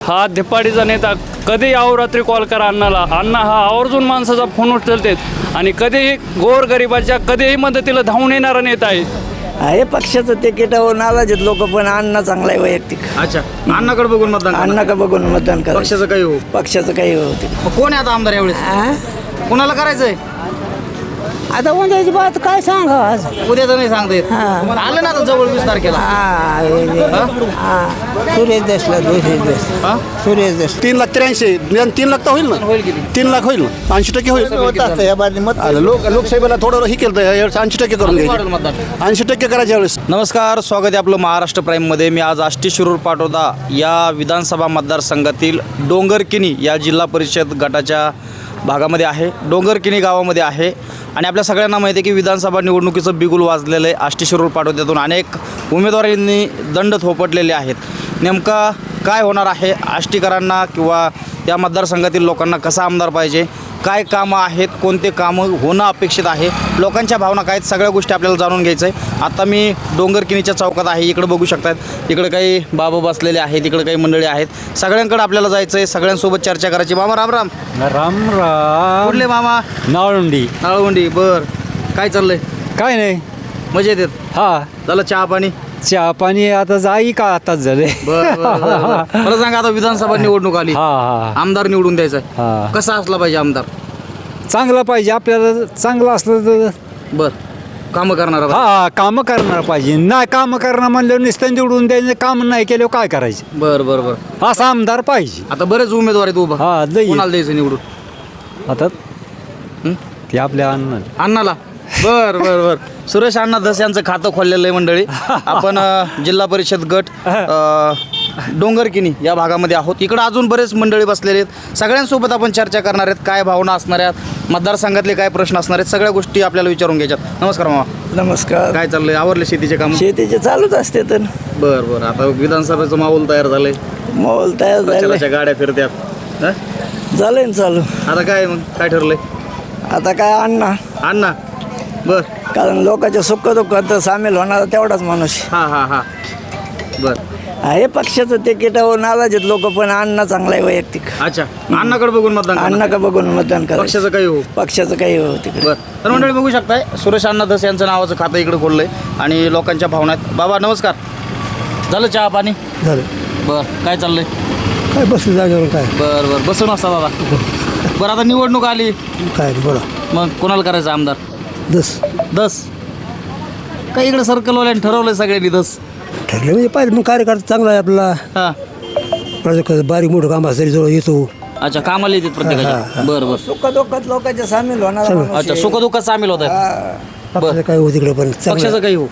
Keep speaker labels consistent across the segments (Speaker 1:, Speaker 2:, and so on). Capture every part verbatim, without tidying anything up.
Speaker 1: हा धिप्पाडीचा नेता कधी अहोरात्री कॉल करा अण्णाला, अण्णा हा आवर्जून माणसाचा फोन उचलतात आणि कधीही गोरगरिबाच्या कधीही मदतीला धावून येणारा नेता आहे.
Speaker 2: आहे पक्षाचं तिकीटावर नाराज लोक, पण अण्णा चांगला आहे वैयक्तिक.
Speaker 3: अच्छा, अण्णाकडे बघून मतदान करणार.
Speaker 2: अण्णा का बघून मतदान करा.
Speaker 3: पक्षाचं काही हो,
Speaker 2: पक्षाचं काही होते.
Speaker 3: मग कोण आहे आता आमदार यावेळेस? कोणाला करायचंय?
Speaker 4: आता उद्याची बात काय सांगा आज.
Speaker 3: उद्याचं नाही सांगता येत.
Speaker 4: हा.
Speaker 3: आलं ना आता जवळ वीस तारखेला.
Speaker 4: हा, हा. सुरेश देशला सुरेश देश
Speaker 3: हा?
Speaker 4: सुरेश देश
Speaker 5: तीन लाख त्र्याऐंशी तीन लाख तर होईल ना.
Speaker 3: होईल किती?
Speaker 5: तीन लाख होईल ना. ऐंशी टक्के होईल.
Speaker 4: या बाजूने मत
Speaker 5: आलं, लोक लोकसभेला थोडं हे केलं ऐंशी टक्के करून
Speaker 3: वाढेल
Speaker 5: घ्यायचे.
Speaker 3: मतदान.
Speaker 5: ऐंशी टक्के करायच्या वेळेस.
Speaker 3: नमस्कार, स्वागत आहे आपलं महाराष्ट्र प्राईममध्ये. मी आज आष्टी शिरूर पाटोदा या विधानसभा मतदारसंघातील डोंगरकिनी या जिल्हा परिषद गटाच्या भागामध्ये आहे. डोंगरकिनी गावामध्ये आहे आणि आपल्या सगळ्यांना माहिती आहे की विधानसभा निवडणुकीचं बिगुल वाजलेलं आहे. आष्टी शिरूर पाटोद्यातून अनेक उमेदवारांनी दंड थोपटलेले आहेत. नेमका काय होणार आहे? आष्टीकरांना किंवा या मतदारसंघातील लोकांना कसा आमदार पाहिजे, काय कामं आहेत, कोणते कामं होणं अपेक्षित आहे, लोकांच्या भावना काय आहेत, सगळ्या गोष्टी आपल्याला जाणून घ्यायचं आहे. आता मी डोंगरकिनीच्या चौकात आहे. इकडे बघू शकतात, इकडे काही बाबा बसलेले आहेत, इकडे काही मंडळी आहेत. सगळ्यांकडे आपल्याला जायचं आहे, सगळ्यांसोबत चर्चा करायची. मामा राम राम.
Speaker 1: राम राम.
Speaker 3: कुठले मामा?
Speaker 1: नाळुंडी.
Speaker 3: नाळवंडी. बर, काय चाललंय?
Speaker 1: काय नाही.
Speaker 3: मजेत येत?
Speaker 1: हा,
Speaker 3: झालं चहा पाणी?
Speaker 1: चहा पाणी आता जाई का आताच झाले.
Speaker 3: बर बर, बर, बर. मला सांगा, आता विधानसभा निवडणूक आली,
Speaker 1: हा हा
Speaker 3: आमदार निवडून द्यायचा
Speaker 1: हा.
Speaker 3: आहे, कसा असला पाहिजे आमदार?
Speaker 1: चांगलं पाहिजे. आपल्याला चांगलं असलं तर
Speaker 3: बर, कामं करणारा पाहिजे.
Speaker 1: हा कामं करणार पाहिजे. नाही कामं करणार म्हणल्यावर नुसतं निवडून द्यायचं, काम नाही केल्यावर काय करायचं?
Speaker 3: बर बर बर.
Speaker 1: असा आमदार पाहिजे.
Speaker 3: आता बरेच उमेदवार आहेत उभा,
Speaker 1: हा लई.
Speaker 3: कोणाला द्यायचं निवडून?
Speaker 1: आता
Speaker 3: हं?
Speaker 1: ते आपल्या अण्णा.
Speaker 3: अण्णाला. बर बर बर. सुरेश अण्णा धस यांचं खातं खोललेलं आहे मंडळी. आपण अ, जिल्हा परिषद गट अ, डोंगरकिनी या भागामध्ये आहोत. इकडं अजून बरेच मंडळी बसलेले आहेत. सगळ्यांसोबत आपण चर्चा करणार आहेत. काय भावना असणार आहेत, मतदारसंघातले काय प्रश्न असणार आहेत, सगळ्या गोष्टी आपल्याला विचारून घ्यायच्यात. नमस्कार मामा.
Speaker 2: नमस्कार.
Speaker 3: काय चाललंय? आवरले शेतीचे काम?
Speaker 2: शेतीचे चालूच असते तर
Speaker 3: बर बर. आता विधानसभेचं माहोल तयार झालंय,
Speaker 2: मॉल तयार झाले,
Speaker 3: प्रचाराच्या गाड्या फिरत्यात. हं?
Speaker 2: झालंय ना चालू.
Speaker 3: आता काय मग काय ठरलंय?
Speaker 2: आता काय अण्णा,
Speaker 3: अण्णा. बर.
Speaker 2: कारण लोकांच्या सुख दुःखात सामील होणारा तेवढाच माणूस
Speaker 3: हां हां हां. बर.
Speaker 2: आहे. पक्षाचं तिकीटावर नाराज लोक, पण अण्णा चांगला आहे वैयक्तिक.
Speaker 3: अच्छा, अण्णाकडे बघून मतदान करणार.
Speaker 2: अण्णा का बघून मतदान करा.
Speaker 3: पक्षाचं काही हो.
Speaker 2: पक्षाचं काही होते.
Speaker 3: बर. तर मंडळी बघू शकताय, सुरेश अण्णा धस यांचं नावाचं खातं इकडे खोललंय आणि लोकांच्या भावना आहेत. बाबा नमस्कार. झालं चहा पाणी?
Speaker 5: झालं.
Speaker 3: बर. काय चाललंय?
Speaker 5: काय बसली जागेवर काय
Speaker 3: बर बर. बसून असता बाबा. बरं, आता निवडणूक आली,
Speaker 5: काय बोला.
Speaker 3: मग कोणाला करायचं आमदार?
Speaker 5: दस
Speaker 3: दस. काय इकडे सर्कलवाल्याने ठरवलंय सगळ्यांनी दस?
Speaker 5: ठरले म्हणजे पाहिजे मग कार्यकर्ता चांगला आहे आपला.
Speaker 3: हां.
Speaker 5: प्रत्येक बारीक मोठं काम असेल जवळ येतो.
Speaker 3: अच्छा, कामाला येतात प्रत्येकाच्या. बरं बरं.
Speaker 2: सुख दुःखात लोकांच्या सामील होणारा माणूस
Speaker 3: अच्छा,
Speaker 2: आहे.
Speaker 3: सुखदुःखात सामील होत आहे.
Speaker 2: हा.
Speaker 5: पक्षाचं काय होत इकडे पण चांगलं
Speaker 3: पक्षाचं काही हो.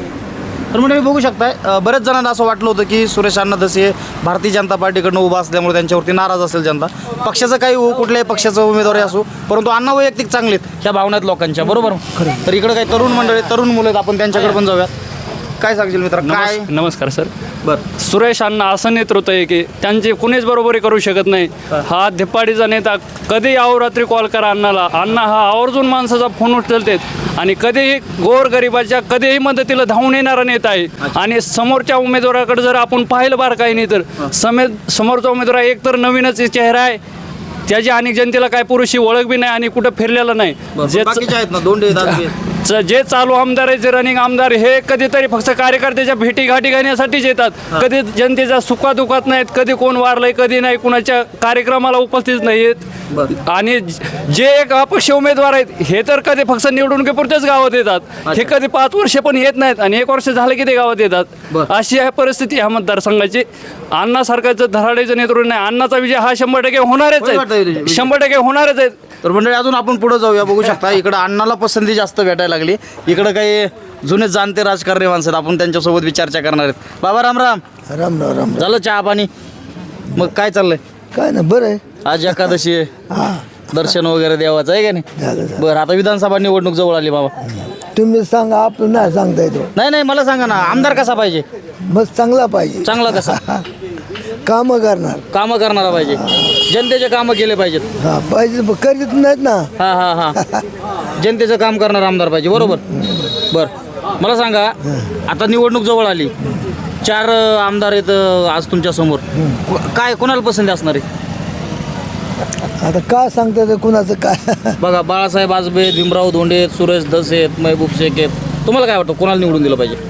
Speaker 3: तर मंडळी बघू शकताय, अ, बऱ्याच जणांना असं वाटलं होतं की सुरेश अण्णा धस हे भारतीय जनता पार्टीकडनं उभा असल्यामुळे त्यांच्यावरती नाराज असेल जनता. पक्षाचं काही हो, कुठल्याही पक्षाचं उमेदवारी असो, परंतु अण्णा वैयक्तिक चांगलेत ह्या भावना आहेत लोकांच्या. बरोबर. तर इकडे काही तरुण मंडळी, तरुण मुलं आहेत, आपण त्यांच्याकडे पण जाऊयात. काय सांगशील मित्र? काय?
Speaker 1: नमस्- नमस्कार सर.
Speaker 3: बरं.
Speaker 1: सुरेश अण्णा असं नेतृत्व आहे की त्यांची कुणीच बरोबरी करू शकत नाही. हा धिप्पाडीचा नेता कधी अहोरात्री कॉल करा अण्णाला, अण्णा हा आवर्जून माणसाचा फोन उचलतात आणि कधीही गोरगरिबाच्या कधीही मदतीला धावून येणारा नेता आहे. आणि समोरच्या उमेदवाराकडे जर आपण पाहिलं बार काही नाही तर समे समोरचा उमेदवार एक तर नवीनच चेहरा आहे, त्याची अनेक जनतेला काय पुरुषी ओळख बी नाही आणि कुठं फिरलेलं नाही. जे
Speaker 3: बाकीचे आहेत ना, दोंडे दादगे.
Speaker 1: च- जे चालू आमदार आहेत, जे रनिंग आमदार, हे कधीतरी फक्त कार्यकर्त्याच्या भेटी गाठी घालण्यासाठीच येतात. कधी जनतेच्या सुखादुखात नाहीत, कधी कोण वारलंय, कधी नाही कुणाच्या कार्यक्रमाला उपस्थित नाही आहेत. आणि जे एक अपक्ष उमेदवार आहेत हे तर कधी फक्त निवडणुकीपुरतेच गावात येतात. हे कधी पाच वर्ष पण येत नाहीत आणि एक वर्ष झालं की ते गावात येतात. अशी आहे परिस्थिती ह्या मतदारसंघाची. अण्णा सरकारचं धराडीचं नेतृत्व नाही. अण्णाचा विजय हा शंभर टक्के होणारच
Speaker 3: होय वाटतं
Speaker 1: आहे,
Speaker 3: विजय.
Speaker 1: शंभर टक्के होणारच आहेत.
Speaker 3: तर मंडळी अजून आपण पुढे जाऊया. बघू शकता इकडं अण्णाला पसंती जास्त भेटायला लागली. इकडं काही जुने जाणते राजकारणी माणसं आहेत, आपण त्यांच्यासोबत बी चर्चा करणार आहेत. बाबा राम राम.
Speaker 5: राम राम राम.
Speaker 3: झालं चहा पाणी? मग काय चाललंय?
Speaker 5: काय ना बरं आहे.
Speaker 3: आज एकादशी आहे,
Speaker 5: हा
Speaker 3: दर्शन वगैरे देवाचं आहे का नाही?
Speaker 5: झालं झालं.
Speaker 3: बरं, आता विधानसभा निवडणूक जवळ आली बाबा.
Speaker 5: तुम्ही सांगा, आपण नाही सांगता येतो.
Speaker 3: नाही नाही, मला सांगा ना, आमदार कसा पाहिजे?
Speaker 5: मग चांगला पाहिजे,
Speaker 3: चांगला कसा?
Speaker 5: कामं करणार.
Speaker 3: कामं करणारा पाहिजे, जनतेचे कामं केले पाहिजेत.
Speaker 5: हा पाहिजे, पण करीत नाहीत ना.
Speaker 3: हा हा हा. जनतेचं काम करणारा आमदार पाहिजे. बरोबर. बरं, मला सांगा, आता निवडणूक जवळ आली, चार अ, आमदार आहेत अ, आज तुमच्या समोर काय कोणाला पसंती असणार आहे?
Speaker 5: आता काय सांगता येतं कुणाचं काय
Speaker 3: बघा बाळासाहेब आजबे, भीमराव धोंडे आहेत, सुरेश धस आहेत, महबूब शेख आहेत. तुम्हाला काय वाटतं कोणाला निवडून दिलं पाहिजे?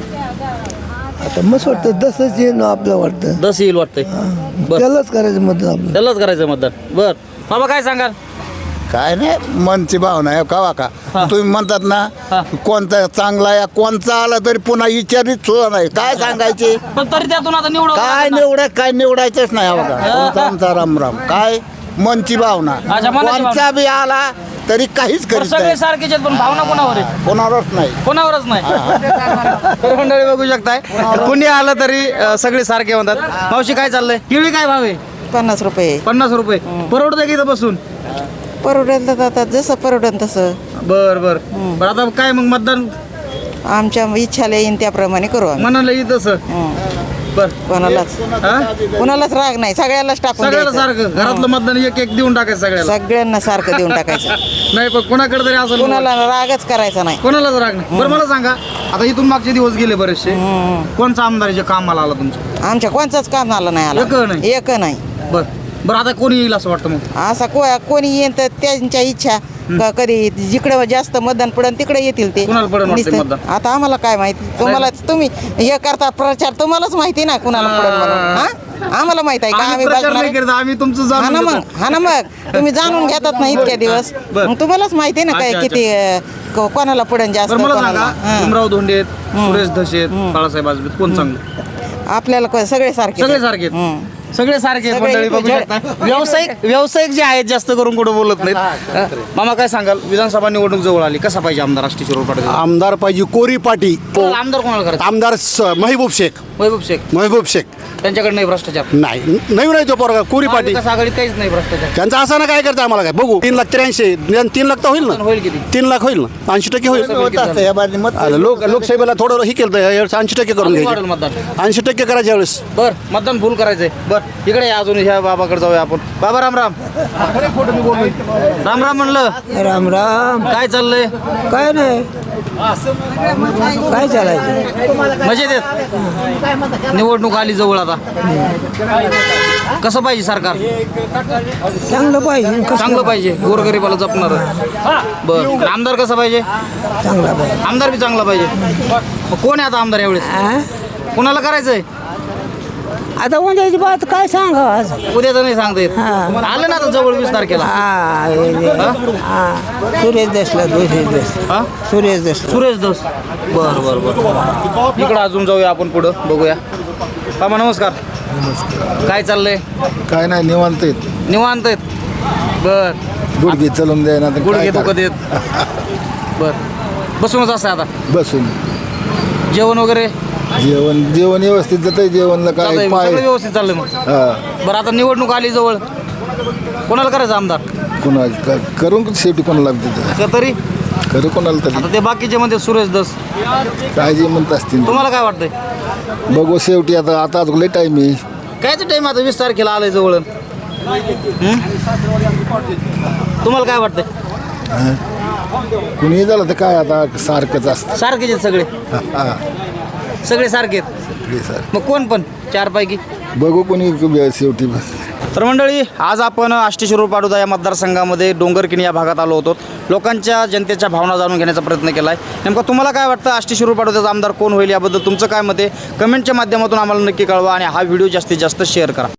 Speaker 5: आता मस्त वाटतं तसंच येईन आपलं वाटतं
Speaker 3: दस येईल वाटतंय. बरं
Speaker 5: त्यालाच करायचं मतदान आपलं
Speaker 3: त्यालाच करायचं मतदान. बर बाबा काय सांगाल?
Speaker 6: काय नाही मनची भावना आहे कवा का
Speaker 3: हा.
Speaker 6: तुम्ही म्हणतात
Speaker 3: हा.
Speaker 6: ना कोणता चांगला या कोणचा आला तरी पुन्हा विचारित सुद्धा नाही काय सांगायचे
Speaker 3: पण तरी त्यातून आता निवड
Speaker 6: काय निवडाय काय निवडायचंच नाही बघा कोणता आमचा रामराम काय मनची भावना
Speaker 3: अच्छा, मनाची
Speaker 6: कोणचा बी आला तरी काहीच करीत
Speaker 3: सगळे
Speaker 6: नाही
Speaker 3: सारखेच आहेत पण भावना कोणावर आहे?
Speaker 6: कोणावरच नाही
Speaker 3: कोणावरच नाही. तर मंडळी बघू शकताय कुणी आलं तरी अ, सगळे सारखे म्हणतात. मावशी काय चाललंय? केळी काय भाव आहे?
Speaker 4: पन्नास रुपये
Speaker 3: पन्नास रुपये. परवडतं की इथं बसून?
Speaker 4: परवडेल तर आता जसं परवडेल तसं
Speaker 3: बर बर बरं आता काय मग मतदान
Speaker 4: आमच्या इच्छाला येईन त्याप्रमाणे करू आम्ही
Speaker 3: म्हणाल येत तसं. बर
Speaker 4: कोणालाच
Speaker 3: हा?
Speaker 4: कोणालाच राग नाही सगळ्यालाच टाकून
Speaker 3: सगळ्याला
Speaker 4: द्यायचं.
Speaker 3: सारखं घरातलं मतदान एक एक देऊन टाकायचं सगळ्याला.
Speaker 4: सगळ्यांना सारखं देऊन टाकायचं
Speaker 3: नाही पण कोणाकडे तरी असं
Speaker 4: कोणाला रागच करायचा नाही
Speaker 3: कोणालाच राग नाही. बरं मला सांगा आता इथून मागचे दिवस गेले बरेचसे कोणचा आमदार जे कामाला आला तुमचं?
Speaker 4: आमच्या कोणचंच काम आलं नाही
Speaker 3: एक
Speaker 4: आला
Speaker 3: नाही?
Speaker 4: एक नाही
Speaker 3: बर बरं आता कोणी येईल असं वाटतं मग?
Speaker 4: असा को कोणी येईन तर त्यांच्या इच्छा क- कधी जिकडे जास्त मतदान पडेल तिकडे येतील ते
Speaker 3: कुणाला पडेल वाटते
Speaker 4: नुसतं-
Speaker 3: मतदान?
Speaker 4: आता आम्हाला काय माहिती तुम्हाला तुम्ही हे करता प्रचार तुम्हालाच माहिती ना कुणाला पडेल म्हणून हा आम्हाला माहित आहे का
Speaker 3: आम्ही
Speaker 4: आम्ही
Speaker 3: प्रचार
Speaker 4: बघणार
Speaker 3: नाही
Speaker 4: आहे?
Speaker 3: करत, आम्ही तुमचं
Speaker 4: हा ना
Speaker 3: जाणून
Speaker 4: मग
Speaker 3: घेतो.
Speaker 4: हा ना मग तुम्ही जाणून घेतात ना इतक्या दिवस
Speaker 3: बर.
Speaker 4: मग तुम्हालाच माहिती ना काय
Speaker 3: अच्छा,
Speaker 4: किती अं, को- कोणाला पडेल जास्त
Speaker 3: बरं मला
Speaker 4: कोणाला
Speaker 3: सांगा
Speaker 4: हा.
Speaker 3: भीमराव धोंडे आहेत, सुरेश धस आहेत, बाळासाहेब आजबे कोण चांगलं?
Speaker 4: आपल्याला को- सगळे सारखे
Speaker 3: सगळे सारखे आहेत.
Speaker 4: हम्म.
Speaker 3: सगळे सारखे आहेत
Speaker 4: सगळे
Speaker 3: मंडळी बघू
Speaker 4: इकडे-
Speaker 3: शकता. व्यावसायिक व्यावसायिक जे आहेत जास्त करून कुठं बोलत नाहीत. मामा काय सांगाल विधानसभा निवडणूक जवळ आली कसा पाहिजे आमदार आष्टी शिरोळ पाटील?
Speaker 7: आमदार पाहिजे कोरी पाटी
Speaker 3: आमदार कोणाला करायचं?
Speaker 7: आमदार स- महबूब शेख
Speaker 3: महबूब शेख.
Speaker 7: महबूब शेख
Speaker 3: त्यांच्याकडे नाही भ्रष्टाचार.
Speaker 7: नाही नवीन आहे तो पोरगा कोरी पाटी
Speaker 3: महाविकास आघाडीत काहीच नाही भ्रष्टाचार.
Speaker 7: त्यांचा असं ना काय करतं आम्हाला काय बघू तीन लाख त्र्याऐंशी निदान तीन लाख तर होईल ना
Speaker 3: होईल किती?
Speaker 7: तीन लाख होईल ना ऐंशी टक्के होईल
Speaker 6: होत असतं या बाजूने मत
Speaker 7: आता लोक लोकसभेला थोडं हे केलं ऐंशी टक्के करून
Speaker 3: किती वाढेल
Speaker 7: घ्यायचे
Speaker 3: मतदान?
Speaker 7: ऐंशी टक्के करायच्या वेळेस
Speaker 3: बर मतदान फुल करायचंय. बर इकडे या अजून ह्या बाबाकडे जाऊया आपण. बाबा राम राम राम राम म्हणलं.
Speaker 2: राम राम
Speaker 3: काय चाललंय?
Speaker 2: काय नाही काय चालायचं
Speaker 3: मजेत येत. निवडणूक आली जवळ आता कसं पाहिजे सरकार?
Speaker 2: चांगलं पाहिजे
Speaker 3: चांगलं पाहिजे गोरगरीबाला जपणार. बर आमदार कसं पाहिजे?
Speaker 2: चांगला पाहिजे
Speaker 3: आमदार बी चांगला पाहिजे. मग कोण आहे आता आमदार यावेळेस? कोणाला करायचंय?
Speaker 2: आता उद्याची बात काय सांगा आज
Speaker 3: उद्याचं नाही सांगता येत. आलं ना आता जवळ वीस तारखेला.
Speaker 2: सुरेश देशला सुरेश देश
Speaker 3: हा?
Speaker 2: सुरेश देश
Speaker 3: सुरेश दस. बर बर बर इकडं अजून जाऊया आपण पुढं बघूया. बाबा नमस्कार. काय चाललंय?
Speaker 6: काय नाही निवांत आहेत
Speaker 3: निवांत आहेत. बर
Speaker 6: गुडघे चलून द्या ना
Speaker 3: गुडघे दुखत येत. बर बसूनच असं आता
Speaker 6: बसून
Speaker 3: जेवण वगैरे
Speaker 6: जेवण जेवण व्यवस्थित जात जेवणला
Speaker 3: चालतंय
Speaker 6: काय
Speaker 3: मग,
Speaker 6: पाय
Speaker 3: सगळं व्यवस्थित चाललंय मग.
Speaker 6: हा
Speaker 3: बरं आता निवडणूक आली जवळ कोणाला करायचं आमदार?
Speaker 6: कुणा क- करून शेवटी कोणाला तिथं
Speaker 3: का तरी
Speaker 6: खरं कोणाला तरी
Speaker 3: आता ते बाकीचे म्हणते सुरेश दस.
Speaker 6: काय जे म्हणत असतील
Speaker 3: तुम्हाला काय वाटतंय?
Speaker 6: बघू शेवटी आता आता लय टाईम आहे
Speaker 3: कायच टाइम आता वीस तारखेला आलंय जवळ. हं? तुम्हाला काय वाटतंय?
Speaker 6: कुणी झालं तर काय आता सारखंच असतं
Speaker 3: सारखेच आहेत सगळे
Speaker 6: हा
Speaker 3: सगळे सारखे आहेत.
Speaker 6: सगळे सारखं.
Speaker 3: मग कोण पण चार पैकी?
Speaker 6: बघू कोणी शेवटी बस
Speaker 3: तर मंडळी आज आपण आष्टी शिरूर पाटोदा या मतदारसंघामध्ये डोंगरकिणी या भागात आलो होतो. लोकांच्या जनतेच्या भावना जाणून घेण्याचा प्रयत्न केला आहे. नेमका तुम्हाला काय वाटतं आष्टी शिरूर पाटोद्याचा आमदार कोण होईल याबद्दल तुमचं काय मत आहे कमेंटच्या माध्यमातून आम्हाला नक्की कळवा आणि हा व्हिडिओ जास्तीत जास्त शेअर करा.